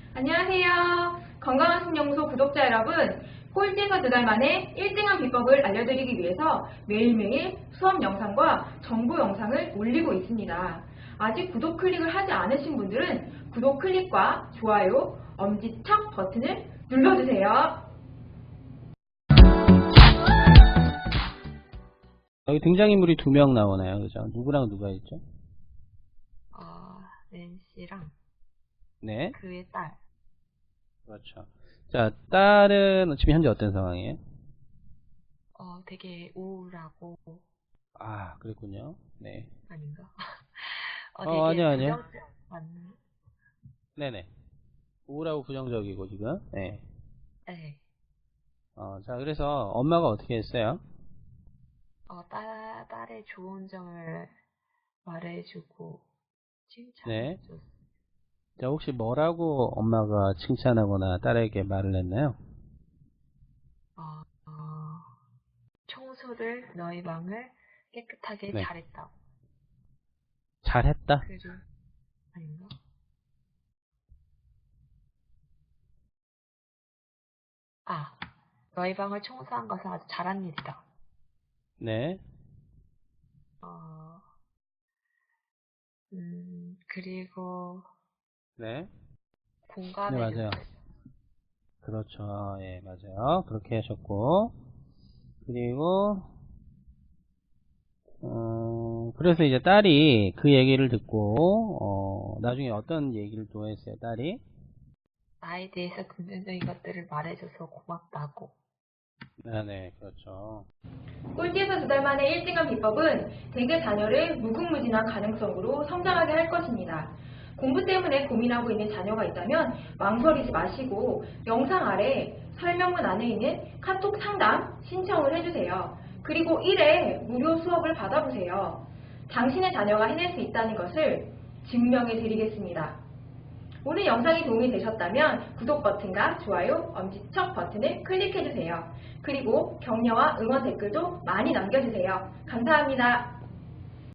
안녕하세요. 건강한 신영소 구독자 여러분, 꼴찌에서 2달 만에 1등한 비법을 알려드리기 위해서 매일매일 수업 영상과 정보 영상을 올리고 있습니다. 아직 구독 클릭을 하지 않으신 분들은 구독 클릭과 좋아요, 엄지척 버튼을 눌러주세요. 여기 등장인물이 2명 나오나요? 그죠? 누구랑 누가 있죠? 낸시랑 네. 그의 딸. 그렇죠. 자, 딸은 지금 현재 어떤 상황이에요? 되게 우울하고. 아, 그랬군요. 네. 아닌가? 되게 아니요. 부정적 맞는. 네네. 우울하고 부정적이고, 지금. 네. 네. 자, 그래서 엄마가 어떻게 했어요? 딸의 좋은 점을 말해주고 네. 칭찬해줬어. 자, 혹시 뭐라고 엄마가 칭찬하거나 딸에게 말을 했나요? 청소를 너희 방을 깨끗하게 네. 잘했다고. 잘했다? 그리고 아닌가? 너희 방을 청소한 것은 아주 잘한 일이다. 네. 그리고 네. 네, 공감해줬어. 맞아요. 그렇죠. 예, 맞아요. 그렇게 하셨고. 그리고, 그래서 이제 딸이 그 얘기를 듣고, 나중에 어떤 얘기를 또 했어요, 딸이? 나에 대해서 긍정적인 것들을 말해줘서 고맙다고. 네, 그렇죠. 꼴찌에서 2달 만에 1등한 비법은 대개 자녀를 무궁무진한 가능성으로 성장하게 할 것입니다. 공부 때문에 고민하고 있는 자녀가 있다면 망설이지 마시고 영상 아래 설명문 안에 있는 카톡 상담 신청을 해주세요. 그리고 1회 무료 수업을 받아보세요. 당신의 자녀가 해낼 수 있다는 것을 증명해 드리겠습니다. 오늘 영상이 도움이 되셨다면 구독 버튼과 좋아요, 엄지척 버튼을 클릭해주세요. 그리고 격려와 응원 댓글도 많이 남겨주세요. 감사합니다.